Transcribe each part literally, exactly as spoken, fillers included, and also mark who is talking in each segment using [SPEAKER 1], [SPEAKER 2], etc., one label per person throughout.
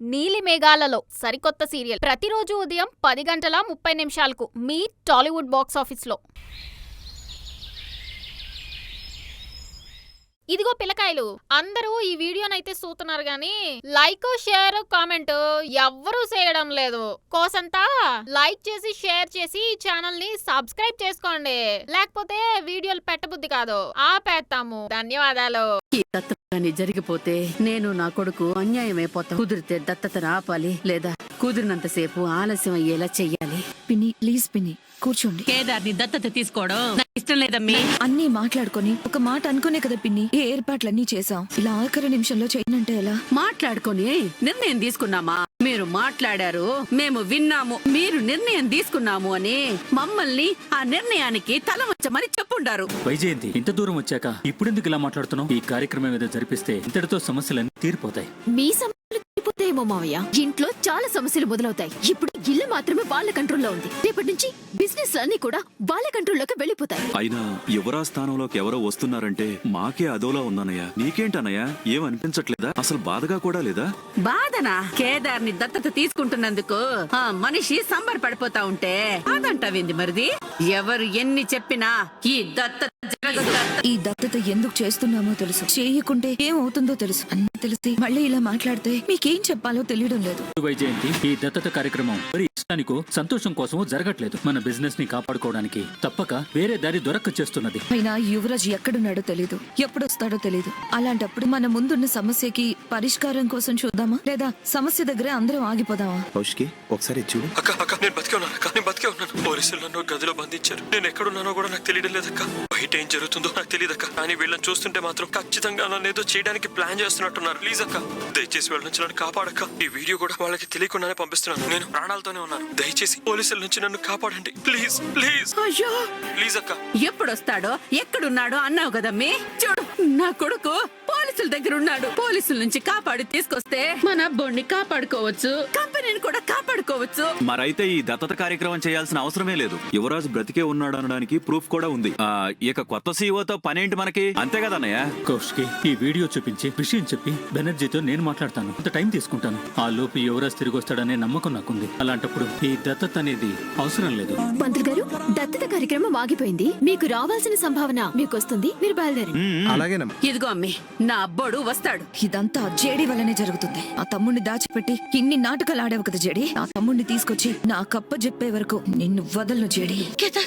[SPEAKER 1] నీలి మేఘాలలో సరికొత్త సీరియల్ ప్రతిరోజు ఉదయం పది గంటల ముప్పై నిమిషాలకు మీ టాలీవుడ్ బాక్స్ ఆఫీస్లో. ఇదిగో పిల్లకాయలు, అందరూ ఈ వీడియోనైతే చూస్తున్నారు గాని లైక్ షేర్ కామెంట్ ఎవ్వరూ చేయడం లేదు. కోసంతా లైక్ చేసి షేర్ చేసి ఈ ఛానల్ ని సబ్స్క్రైబ్ చేసుకోండి, లేకపోతే వీడియోలు పెట్టబుద్ధి కాదు, ఆపేస్తాము. ధన్యవాదాలు.
[SPEAKER 2] ఈ దత్తత జరిగిపోతే నేను నా కొడుకు అన్యాయమైపోతా. కుదిరితే దత్తతను ఆపాలి, లేదా కుదిరినంతసేపు ఆలస్యం అయ్యేలా చెయ్యాలి.
[SPEAKER 3] పిన్ని ప్లీజ్ పిన్ని కూర్చోండి.
[SPEAKER 2] కేదార్ని దత్తత తీసుకోవడం నాకు ఇష్టం లేదమ్మీ.
[SPEAKER 3] అన్నీ మాట్లాడుకొని ఒక మాట అనుకునే కదా పిన్ని ఏ ఏర్పాట్లన్నీ చేసాం. ఇలా ఆఖరి నిమిషంలో చేయనంటే ఎలా?
[SPEAKER 2] మాట్లాడుకొని నిర్ణయం తీసుకున్నామా? మీరు మాట్లాడారు, మేము విన్నాము. మీరు నిర్ణయం తీసుకున్నాము అని మమ్మల్ని ఆ నిర్ణయానికి తల వంచమని చెప్పుండారు.
[SPEAKER 4] వైజయంతి, ఇంత దూరం వచ్చాక ఇప్పుడెందుకు ఇలా మాట్లాడుతున్నావు? ఈ కార్యక్రమం ఏదో జరిపిస్తే ఇంతటితో సమస్యలన్నీ తీరిపోతాయి.
[SPEAKER 5] మీ సమస్యలు తీరిపోతాయేమో మావయ్య, ఇంట్లో చాలా సమస్యలు మొదలవుతాయి. ఇప్పుడు ఇల్లు మాత్రమే వాళ్ళ కంట్రోల్లో ఉంది. రేపటి నుంచి బిజినెస్ అన్ని కూడా వాళ్ళ కంట్రోల్లోకి వెళ్ళిపోతాయి.
[SPEAKER 6] అయినా యువరా స్థానంలోకి ఎవరో వస్తున్నారంటే మాకే అదోలా ఉందన్నయ్య. నీకేంటన్నయ్య, ఏం అనిపించట్లేదా? అసలు బాధగా కూడా లేదా?
[SPEAKER 2] బాధనా? కేదార్ని దత్తత తీసుకుంటున్నందుకు ఆ మనిషి సంబర పడిపోతా ఉంటే అదంటావింది మరిది. ఎవరు ఎన్ని చెప్పినా ఈ దత్తత జరగదు.
[SPEAKER 3] ఈ దత్తత ఎందుకు చేస్తున్నామో తెలుసు, చేయకుంటే ఏమవుతుందో తెలుసు. అన్నీ తెలిసి మళ్ళీ ఇలా మాట్లాడితే మీకేం చెప్పాలో తెలియడం లేదు.
[SPEAKER 4] వైజయంతి, ఈ దత్తత కార్యక్రమం మరి ఇష్టానికో సంతోషం కోసమో జరగట్లేదు. మన బిజినెస్ ని కాపాడుకోవడానికి తప్పక వేరే దారి దొరక్క చేస్తున్నది.
[SPEAKER 3] అయినా యువరాజ్ ఎక్కడున్నాడో తెలీదు, ఎప్పుడు వస్తాడో తెలీదు. అలాంటప్పుడు మన ముందున్న సమస్యకి పరిష్కారం కోసం చూద్దామా, లేదా సమస్య దగ్గరే అందరం ఆగిపోదామా?
[SPEAKER 7] కౌశికి ఒకసారి చూడు.
[SPEAKER 8] అక్క అక్క నేను బతికే ఉన్నాను అక్క, నేను బతికే ఉన్నాను. పోలీసులు నన్ను గదిలో బంధించారు. నేను ఎక్కడున్నానో కూడా నాకు తెలియడం లేదక్క. బయట ఏం జరుగుతుందో నాకు తెలియదక్క. కానీ వీళ్ళని చూస్తుంటే మాత్రం ఖచ్చితంగా నన్ను ఏదో చేయడానికి ప్లాన్ చేస్తున్నట్టున్నారు. ప్లీజ్ అక్క, దయచేసి వీళ్ళ నుంచి నన్ను కాపాడక్క. ఈ వీడియో కూడా వాళ్ళకి తెలియకుండానే పంపిస్తున్నాను. నేను ప్రాణాలతోనే ఉన్నాను. దయచేసి పోలీసుల నుంచి నన్ను కాపాడండి. ప్లీజ్ ప్లీజ్
[SPEAKER 2] అయ్యో
[SPEAKER 8] ప్లీజ్ అక్క.
[SPEAKER 2] ఎప్పుడొస్తాడో ఎక్కడున్నాడో అన్నావు కదమ్మీ. చూడు, నా కొడుకు పోలీసుల దగ్గర ఉన్నాడు. పోలీసుల నుంచి కాపాడి తీసుకొస్తే మన అబ్బోడిని కాపాడుకోవచ్చు, కంపెనీని కూడా కాపాడుకోవచ్చు.
[SPEAKER 6] మరైతే ఈ దత్తత కార్యక్రమం చేయాల్సిన అవసరమే లేదు. యువరాజు బ్రతికే ఉన్నాడు అనడానికి ప్రూఫ్ కూడా ఉంది. ఆ ఇక కొత్త సీఈఓతో పనేంటి మనకి, అంతే కదన్నయ్య?
[SPEAKER 4] కౌశికి, ఈ వీడియో చూపించి విషయం చెప్పి బెనర్జీతో నేను మాట్లాడతాను. అంత టైం తీసుకుంటాను. ఆ లోపు యువరాజ్ తిరిగి వస్తాడనే నమ్మకం నాకుంది. అలాంటప్పుడు ఈ దత్తత అనేది అవసరం లేదు.
[SPEAKER 5] మంత్రి గారు, దత్తత కార్యక్రమం ఆగిపోయింది. మీకు రావాల్సిన సంభావన మీకు వస్తుంది. మీరు బయలుదేరండి.
[SPEAKER 7] అలాగేనమ్మా.
[SPEAKER 2] ఇదిగో అమ్మి, నా అబ్బోడు వస్తాడు.
[SPEAKER 3] ఇదంతా జేడీ వల్లనే జరుగుతుంది. ఆ తమ్ముడిని దాచిపెట్టి ఇన్ని నాటకాలు ఆడావు కదా జేడీ. ఆ తమ్ముడిని తీసుకొచ్చి నా కప్ప చెప్పే వరకు నిన్ను వదలను జేడీ.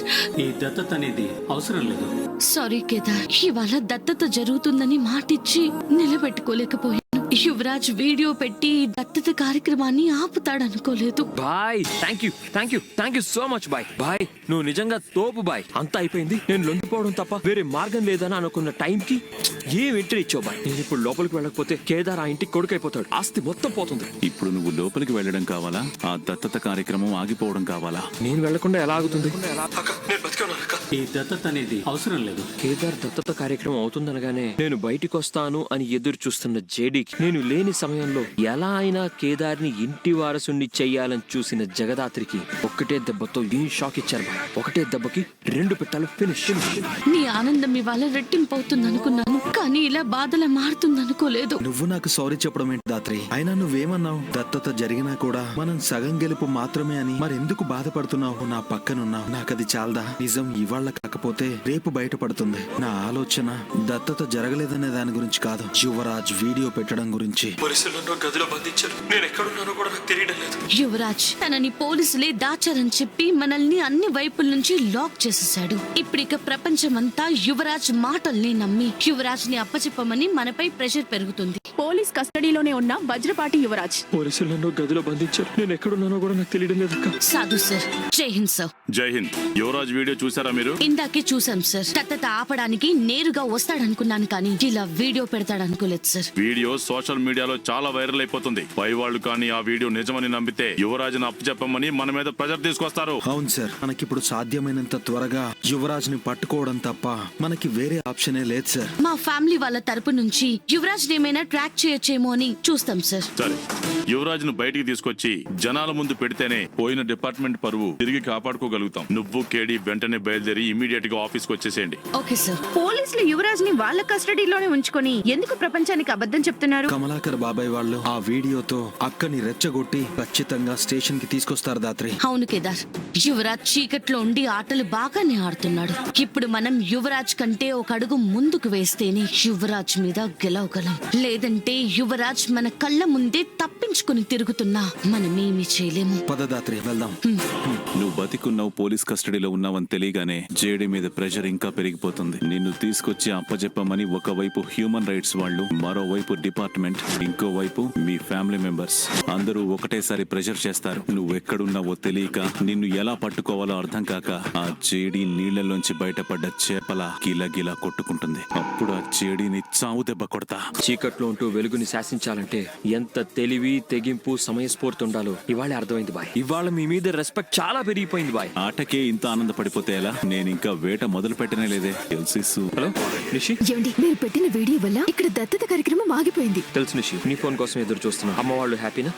[SPEAKER 4] ఈ దత్తత అనేది అవసరం లేదు.
[SPEAKER 9] సారీ కేదార్, ఇవాళ దత్తత జరుగుతుందని మాటిచ్చి నిలబెట్టుకోలేకపోయాను. యువరాజ్ వీడియో పెట్టి దత్తత కార్యక్రమాన్ని ఆపుతాడనుకోలేదు.
[SPEAKER 10] Bye, thank you thank you thank you so much bye. Bye, నువ్వు నిజంగా తోపు బాయ్. అంతా అయిపోయింది, నేను లొంగిపోవడం తప్ప వేరే మార్గం లేదని అనుకున్న టైంకి ఏం ఎంట్రీ ఇచ్చావు బాయ్. నేను ఇప్పుడు లోపలికి వెళ్ళకపోతే కేదార్ ఆ ఇంటికి కొడుకైపోతాడు, ఆస్తి మొత్తం పోతుంది.
[SPEAKER 6] ఇప్పుడు నువ్వు లోపలికి వెళ్ళడం కావాలా, ఆ దత్తత కార్యక్రమం ఆగిపోవడం కావాలా?
[SPEAKER 10] నేను వెళ్లకుండా ఎలా ఆగుతుంది?
[SPEAKER 8] అక్క నేను బతికే ఉన్నాను అక్క.
[SPEAKER 4] ఈ దత్తత అనేది అవసరం లేదు.
[SPEAKER 10] కేదార్ దత్తత కార్యక్రమం అవుతుందనగానే నేను బయటికి వస్తాను అని ఎదురు చూస్తున్న జేడీకి నేను లేని సమయంలో ఎలా అయినా కేదార్ని ఇంటి వారసుని చెయ్యాలని చూసిన జగదాత్రికి ఒక్కటే దెబ్బతో ఏం షాక్ ఇచ్చారు బాయ్. ఒకటే దెబ్బకి రెండు పెట్టాలు ఫినిష్.
[SPEAKER 9] నీ ఆనందం ఇవాళ రెట్టింపు అవుతుంది అనుకున్నాను, కానీ ఇలా బాధలా మారుతుంది అనుకోలేదు.
[SPEAKER 7] నువ్వు నాకు సారీ చెప్పడం ఏంటి దాత్రి? అయినా నువ్వేమన్నావు? దత్తత జరిగినా కూడా మనం సగం గెలుపు మాత్రమే అని. మరెందుకు బాధపడుతున్నావు? నా పక్కనున్నావు. నాకది చాలదా? నిజం ఇవాళ కాకపోతే రేపు బయటపడుతుంది. నా ఆలోచన దత్తత జరగలేదనే దాని గురించి కాదు, యువరాజ్ వీడియో పెట్టడం గురించి.
[SPEAKER 8] పోలీసులు నన్ను గదిలో బంధించారు. నేను ఎక్కడున్నానో కూడా నాకు తెలియడం లేదు.
[SPEAKER 9] యువరాజ్ తనని పోలీసులే దాచారని చెప్పి మనల్ని అన్ని వైపుల నుంచి లాక్ చేసేసాడు. ఇప్పుడిక ప్రపంచమంతా యువరాజ్ మాటల్ని నమ్మి యువరాజ్ ని అప్పచెప్పమని మనపై ప్రెషర్ పెరుగుతుంది.
[SPEAKER 5] పోలీస్ కస్టడీలోనే ఉన్న వజ్రపాటి యువరాజ్.
[SPEAKER 10] పోలీసులు నన్ను గదిలో బంధించారు. నేను ఎక్కడున్నానో కూడా నాకు తెలియడం లేదు.
[SPEAKER 9] సాధు సార్, జై హింద్ సార్.
[SPEAKER 6] జై హింద్. యువరాజ్ వీడియో చూసారా మీరు?
[SPEAKER 9] ఇందాకే చూసాం సార్. దత్తత ఆపడానికి నేరుగా వస్తాడనుకున్నాను, కానీ ఇలా వీడియో పెడతాడనుకోలేదు సార్.
[SPEAKER 6] వీడియో సోషల్ మీడియాలో చాలా వైరల్ అయిపోతుంది. పై వాళ్ళు కానీ ఆ వీడియో నిజమని నమ్మితే యువరాజును అప్పచెప్పమని మన మీద ప్రెజర్ తీసుకొస్తారు.
[SPEAKER 7] అవును సార్, మనకిప్పుడు సాధ్యమైనంత త్వరగా యువరాజ్ ని పట్టుకోవడం తప్ప మనకి వేరే ఆప్షనే లేదు సార్.
[SPEAKER 9] మా ఫ్యామిలీ వాళ్ళ తరపు నుంచి యువరాజ్ ఏమైనా ట్రాక్ చేయొచ్చేమో అని చూస్తాం సార్.
[SPEAKER 6] సరే.
[SPEAKER 11] యువరాజ్ ను బయటికి తీసుకొచ్చి జనాల ముందు పెడితేనే పోయిన డిపార్ట్మెంట్ పరువు తిరిగి కాపాడుకోగలుగుతాం. నువ్వు కేడి వెంటనే బయలుదేరి ఇమీడియట్ గా ఆఫీస్ కి వచ్చేసేయండి.
[SPEAKER 9] Okay sir.
[SPEAKER 2] పోలీసులు యువరాజ్ ని వాళ్ళ కస్టడీలోనే ఉంచుకొని ఎందుకు ప్రపంచానికి అబద్ధం చెప్తున్నారు?
[SPEAKER 7] కమలాకర్ బాబాయ్ వాళ్ళు ఆ వీడియోతో అక్కని రెచ్చగొట్టి ఖచ్చితంగా స్టేషన్ కి తీసుకొస్తారు దాత్రి.
[SPEAKER 9] అవును కేదార్, యువరాజ్ చీకట్లో ఉండి ఆటలు బాగానే ఆడుతున్నాడు. ఇప్పుడు మనం యువరాజ్ కంటే ఒక అడుగు ముందుకు వేస్తేనే యువరాజ్ మీద గెలవగలం. లేదంటే యువరాజ్ మన కళ్ళ ముందే తప్పించుకుని తిరుగుతున్నా మనమేమి చేయలేము.
[SPEAKER 7] పదదాత్రి వెళ్దాం.
[SPEAKER 6] నువ్వు బతికున్నావు, పోలీస్ కస్టడీలో ఉన్నావని తెలియగానే జేడీ మీద ప్రెషర్ ఇంకా పెరిగిపోతుంది. నిన్ను తీసుకొచ్చి అప్పచెప్పమని ఒకవైపు హ్యూమన్ రైట్స్ వాళ్ళు, మరోవైపు డిపార్ట్మెంట్, ఇంకోవైపు మీ ఫ్యామిలీ మెంబర్స్ అందరూ ఒకటేసారి ప్రెషర్ చేస్తారు. నువ్వు ఎక్కడున్నావో తెలియక, నిన్ను ఎలా పట్టుకోవాలో అర్థం కాక ఆ జేడీ నీళ్లలోంచి బయటపడ్డ చేపల గిలగిలా కొట్టుకుంటుంది. అప్పుడు ఆ జేడీని చావు దెబ్బ కొడతా.
[SPEAKER 10] చీకట్లో ఉంటూ వెలుగుని శాసించాలంటే ఎంత తెలివి, తెగింపు, సమయస్ఫూర్తి ఉండాలో ఇవాళ అర్థమైంది బాయ్. ఇవాళ మీ మీద రెస్పెక్ట్ చాలా పెరిగిపోయింది బాయ్.
[SPEAKER 6] ఆటకే ఇంత ఆనందపడిపోతే ఎలా? నేను ఇంకా వేట మొదలు పెట్టనే లేదే. తెలుసు.
[SPEAKER 10] హలో నిషి,
[SPEAKER 5] ఏమండి, మీరు పెట్టిన వీడియో వల్ల ఇక్కడ దత్తత కార్యక్రమం ఆగిపోయింది.
[SPEAKER 10] తెలుసు నిషి, నీ ఫోన్ కోసం ఎదురు చూస్తున్నా. అమ్మ వాళ్ళు హ్యాపీనా?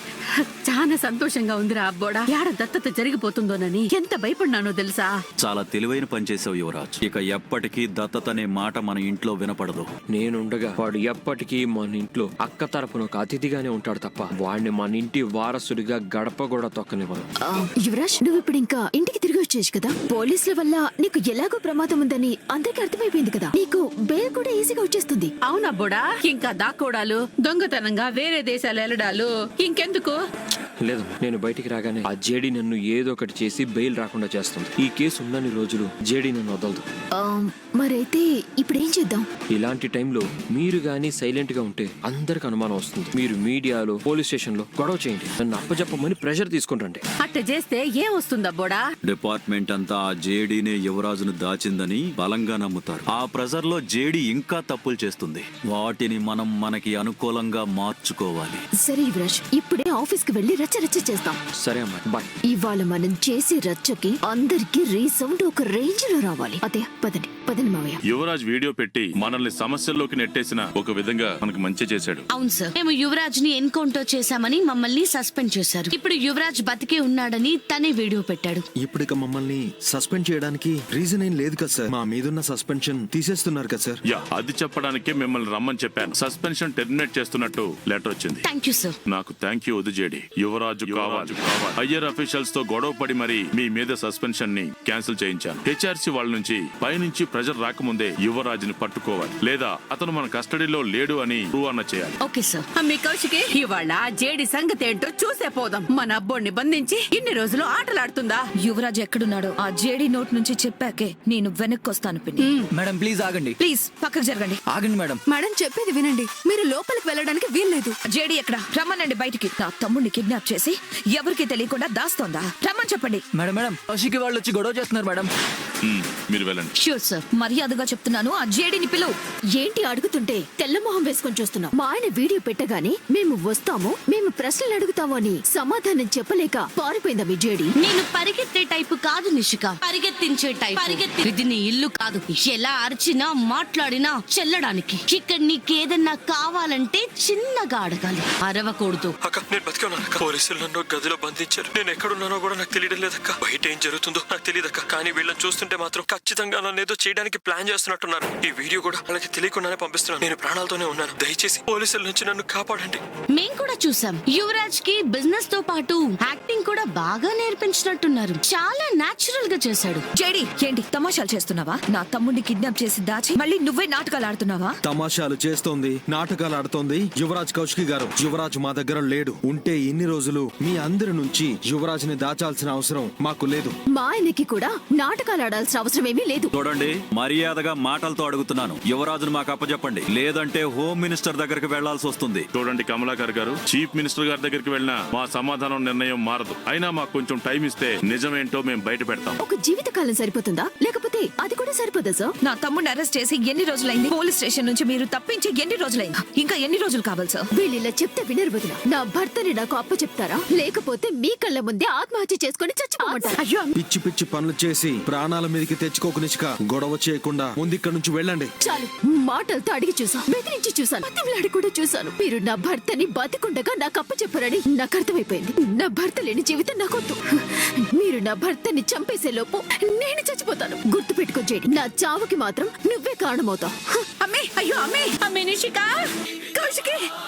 [SPEAKER 2] చాలా సంతోషంగా ఉందిరా అబ్బోడా. యాడ దత్తత జరిగిపోతుందోనని ఎంత భయపడినానో తెలుసా?
[SPEAKER 6] చాలా తెలివైన పని చేసావు యువరాజ్. ఇక ఎప్పటికీ దత్తత అనే మాట మన ఇంట్లో వినపడదు.
[SPEAKER 10] నేనుండగా వాడు ఎప్పటికీ మన ఇంట్లో అక్క తరపున ఒక అతిథిగానే ఉంటాడు తప్ప వాడిని మన ఇంటి వారసుడిగా గడప కూడా తొక్కనివ్వను.
[SPEAKER 5] ఆ, యువరాజ్, నువ్వు ఇప్పుడు ఇంకా ఇంటికి తిరిగి వచ్చేయచ్చు కదా. పోలీసుల వల్ల నీకు ఎలాగో ప్రమాదం ఉందని అందరికీ అర్థమైపోయింది కదా. నీకు బెయిల్ కూడా ఈజీగా వచ్చేస్తుంది.
[SPEAKER 2] అవునబ్బోడా, ఇంకా దాక్కోడాలు, దొంగతనంగా వేరే దేశాలు వెళ్ళడాలు ఇంకెందుకు?
[SPEAKER 10] లేదు, నేను బయటికి రాగానే ఆ జేడీ నన్ను ఏదో ఒకటి చేసి బెయిల్ రాకుండా చేస్తుంది. ఈ కేసు ఉన్నన్ని రోజులు జేడీ నన్ను వదలదు.
[SPEAKER 5] ఆ, మరైతే ఇప్పుడు ఏం చేద్దాం?
[SPEAKER 10] ఇలాంటి టైంలో మీరు గానీ సైలెంట్ గా ఉంటే అందరికి అనుమానం వస్తుంది. మీరు మీడియాలో, పోలీస్ స్టేషన్ లో గొడవ చేయండి, నన్ను అప్పచెప్పమని ప్రెషర్ తీసుకుంటండి.
[SPEAKER 2] అట్ట చేస్తే ఏం వస్తుందబ్బోడా?
[SPEAKER 6] డిపార్ట్మెంట్ అంతా ఆ జేడీనే యువరాజును దాచిందని బలంగా నమ్ముతారు. ఆ ప్రెజర్ లో జేడీ ఇంకా తప్పులు చేస్తుంది. వాటిని మనం మనకి అనుకూలంగా మార్చుకోవాలి.
[SPEAKER 5] సరే యువరాజ్, ఇప్పుడే ఆఫీస్ కి వెళ్లి రచ్చ రచ్చ చేస్తాం.
[SPEAKER 10] సరే అమ్మా, బాయ్.
[SPEAKER 5] ఇవాళ మనం చేసే రచ్చకి అందరికి రీసౌండ్ ఒక రేంజ్ లో రావాలి. అదే పదండి పదండి మావయ్య.
[SPEAKER 11] యువరాజ్ వీడియో పెట్టి మనల్ని సమస్యల్లోకి నెట్టేసిన ఒక విధంగా మనకు మంచి చేశాడు.
[SPEAKER 9] అవును సార్, మేము యువరాజ్ ని ఎన్కౌంటర్ చేశామని మమ్మల్ని సస్పెండ్ చేశారు. ఇప్పుడు యువరాజ్ బతికే ఉన్నాడని తనే వీడియో పెట్టాడు.
[SPEAKER 7] ఇప్పుడిక మమ్మల్ని సస్పెండ్ చేయడానికి రీజన్ ఏం లేదు కదా సార్. మా మీదున్న సస్పెన్షన్ తీసేస్తున్నారు కదా సార్.
[SPEAKER 11] యా, అది చెప్పడానికే మిమ్మల్ని రమ్మని చెప్పాను. సస్పెన్షన్ టెర్మినేట్ చేస్తున్నట్టు లెటర్ వచ్చింది.
[SPEAKER 9] Thank you sir.
[SPEAKER 11] నాకు థ్యాంక్ యూ వద్దు జేడీ. యువరాజు కావాలి. హయ్యర్ అఫీషియల్స్ తో గొడవ పడి మరి మీ మీద సస్పెన్షన్ ని క్యాన్సిల్ చేయించాను. హెచ్ఆర్సీ వాళ్ళ నుంచి పైనుంచి ప్రెజర్ రాకముందే యువరాజుని పట్టుకోవాలి, లేదా అతను మన కస్టడీలో లేడు అని ప్రూవ్ అన్న చేయాలి.
[SPEAKER 9] Okay sir.
[SPEAKER 2] మీ కౌశికి, ఇవాళ జేడి సంగతి ఏంటో చూసే పోదాం. మన అబ్బోడిని బంధించి ఇన్ని రోజులు ఆటలాడుతుందా?
[SPEAKER 3] యువరాజ్ ఎక్కడున్నాడో ఆ జేడీ నోట్ నుంచి చెప్పాకే నేను వెనక్కి వస్తాను పిన్ని.
[SPEAKER 12] మేడం ప్లీజ్ ఆగండి.
[SPEAKER 3] ప్లీజ్ పక్కకు జరగండి.
[SPEAKER 12] ఆగండి మేడం.
[SPEAKER 5] మేడం చెప్పేది వినండి. మీరు లోపలికి వెళ్ళడానికి వీల్లేదు.
[SPEAKER 3] జేడీ ఎక్కడ? రమ్మనండి బయటికి. నా తమ్ముడిని కిడ్నాప్ చేసి ఎవరికి తెలియకుండా దాస్తోందా? రమ్మని చెప్పండి.
[SPEAKER 12] మేడం మేడం కౌశికి వాళ్ళు వచ్చి గొడవ చేస్తున్నారు మేడం.
[SPEAKER 11] మ్మ్, మీరు వెళ్ళండి.
[SPEAKER 9] Sure sir.
[SPEAKER 3] మర్యాదగా చెప్తున్నాను, ఆ జేడీని పిలువు.
[SPEAKER 5] ఏంటి అడుగుతుంటే తెల్ల మొహం వేసుకొని చూస్తున్నాం? మా ఆయన వీడియో పెట్టగానే మేము వస్తాము, మేము ప్రశ్నలు అడుగుతాము అని సమాధానం చెప్పలేక పారిపోయిందా మీ జేడి?
[SPEAKER 9] నేను పరిగెత్తే టైపు కాదు నిషిక, పరిగెత్తించే టైప్. పరిగెత్తి ఇది నీ ఇల్లు కాదు. ఎలా అరిచినా మాట్లాడినా చెల్లడానికి. ఇక్కడ నీకేదన్నా కావాలంటే చిన్నగా అడగాలి, అరవకూడదు.
[SPEAKER 8] అక్క, నేను బతికే ఉన్నాను అక్క. పోలీసులు నన్ను గదిలో బంధించారు. నేను ఎక్కడున్నానో కూడా నాకు తెలియడం లేదక్క. బయట ఏం జరుగుతుందో నాకు తెలియదక్క. కానీ వీళ్ళని చూస్తుంటే మాత్రం ఖచ్చితంగా నన్ను ఏదో చేయడానికి ప్లాన్ చేస్తున్నట్టున్నారు. ఈ వీడియో కూడా వాళ్ళకి తెలియకుండానే పంపిస్తున్నాను. నేను ప్రాణాలతోనే ఉన్నాను. దయచేసి పోలీసుల నుంచి నన్ను కాపాడండి.
[SPEAKER 9] మేం కూడా చూసాం. యువరాజ్ కి బిజినెస్ తో పాటు యాక్టింగ్ కూడా బాగా నేర్పించినట్టున్నారు. చాలా నేచురల్ గా చేశాడు.
[SPEAKER 3] జేడీ, ఏంటి తమాషాలు చేస్తున్నావా? నా తమ్ముడిని కిడ్నాప్ చేసి దాచి మళ్ళీ నువ్వే నాటకాలు ఆడుతున్నావా?
[SPEAKER 7] తమాషాలు చేస్తోంది, నాటకాలు ఆడుతోంది యువరాజ్ కౌశికి గారు. యువరాజ్ మా దగ్గర లేడు. ఉంటే ఇన్ని రోజులు మీ అందరి నుంచి యువరాజ్ ని దాచాల్సిన అవసరం మాకు లేదు.
[SPEAKER 5] మా ఆయనకి కూడా నాటకాలు ఆడాల్సిన అవసరం ఏమీ లేదు.
[SPEAKER 6] చూడండి, మర్యాదగా మాటలతో అడుగుతున్నాను. యువరాజును మాకు అప్పచెప్పండి, లేదంటే హోమ్ మినిస్టర్ దగ్గరికి వెళ్లాల్సి వస్తుంది.
[SPEAKER 11] చూడండి కమలాకర్ గారు, చీఫ్ మినిస్టర్ గారి దగ్గరికి వెళ్ళినా మా సమాధానం నిర్ణయం మారదు. అయినా మాకు కొంచెం టైం ఇస్తే నిజమేంటో మేము బయట పెడతాం.
[SPEAKER 5] ఒక జీవితకాలం సరిపోతుందా, లేకపోతే అది కూడా సరిపోదా సార్?
[SPEAKER 3] నా తమ్ముడిని అరెస్ట్ చేసి ఎన్ని రోజులైంది? పోలీస్ స్టేషన్ నుంచి మీరు తప్పించి ఎన్ని రోజులైంది? ఇంకా ఎన్ని రోజులు కావాలి సార్?
[SPEAKER 5] వీళ్ళు ఇలా చెప్తే వినరు వదిన. నా భర్తని నాకు అప్ప చెప్తారా, లేకపోతే మీ కళ్ళ ముందే ఆత్మహత్య చేసుకుని చచ్చిపోమంటారా?
[SPEAKER 2] అయ్యో,
[SPEAKER 7] పిచ్చి పిచ్చి పనులు చేసి ప్రాణాల మీదకి తెచ్చుకోకు నిష్క. గొడవ చేయకుండా ముందు ఇక్కడ నుంచి వెళ్ళండి.
[SPEAKER 5] చాలు, మాటలతో అడిగి చూసాను, బెదిరించి చూసాను, బతిమలాడి కూడా చూసాను. మీరు నా భర్తని బతికుండగా నాకు కప్ప చెప్పరని నాకు అర్థమైపోయింది. నా భర్త లేని జీవితం నాకొద్దు. మీరు నా భర్తని చంపేసే లోపు నేను చచ్చిపోతాను. గుర్తు పెట్టుకో జేడి, నా చావుకి మాత్రం నువ్వే కారణమవుతావు.
[SPEAKER 2] అమ్మే, అయ్యో అమ్మే, అమ్మే నిషిక, కౌశికి.